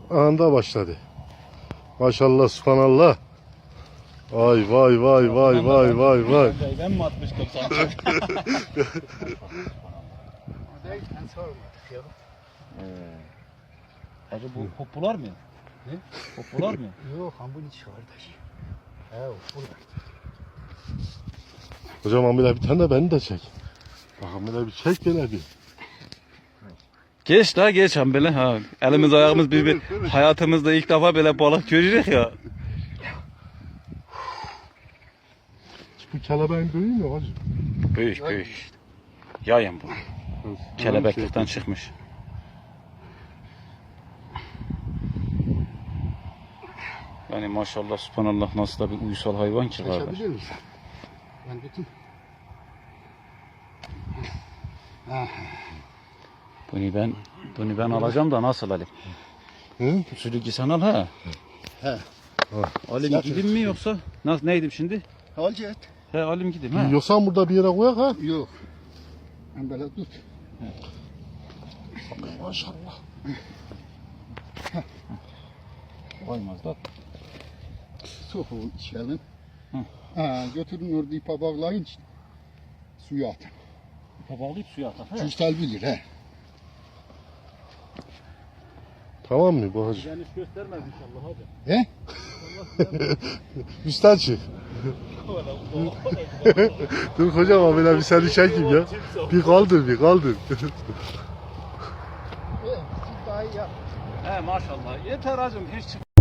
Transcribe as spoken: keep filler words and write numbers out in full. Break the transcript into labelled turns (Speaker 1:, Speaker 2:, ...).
Speaker 1: Anda başladı. Maşallah, subhanallah. Vay vay vay vay vay vay vay.
Speaker 2: Ben mi atmıştım sanki? Hacı bu popular mı? Ne? Popular mı?
Speaker 3: Yok, bunun içi kardeş. Evet, burada.
Speaker 1: Hocam amele bir tane de beni de çek. Bak amele bir çek gene bir.
Speaker 2: Geç la geç han böyle ha. Elimiz ayağımız bir, bir hayatımızda ilk defa böyle balık görürük ya.
Speaker 1: Bu kelebeğin büyüğü mü hacı?
Speaker 2: Büyük büyük. Yayın bu. Kelebeklikten çıkmış. Yani maşallah subhanallah nasıl da bir uysal hayvan ki kardeş.
Speaker 3: Çekebilir misin? Ben bütün...
Speaker 2: Bunu ben bunu ben alacağım da nasıl alayım?
Speaker 1: Hı?
Speaker 2: Sülükü sen al ha.
Speaker 3: He.
Speaker 2: Alayım gideyim mi yoksa? Nasıl neydim şimdi?
Speaker 3: Alcı et.
Speaker 2: He alayım gideyim ha.
Speaker 1: Yoksa burada bir yere koyak ha?
Speaker 3: Yok. Ben böyle tut.
Speaker 1: Maşallah.
Speaker 2: Koymaz da.
Speaker 3: Soğuğun içelim.
Speaker 2: Hı.
Speaker 3: Ha, götürün orada ipa bağlayın. Suya atın.
Speaker 2: İpa bağlayıp suya atar.
Speaker 3: Cüstel bilir he.
Speaker 1: Tamam mı bu hacı?
Speaker 2: Yani hiç göstermez inşallah hadi.
Speaker 3: He?
Speaker 1: Üstten çık. Dur hocam amele bir seni çekeyim ya. Bir kaldır bir kaldır.
Speaker 3: Siz daha iyi yap.
Speaker 2: He maşallah. Yeter hacım hiç çık.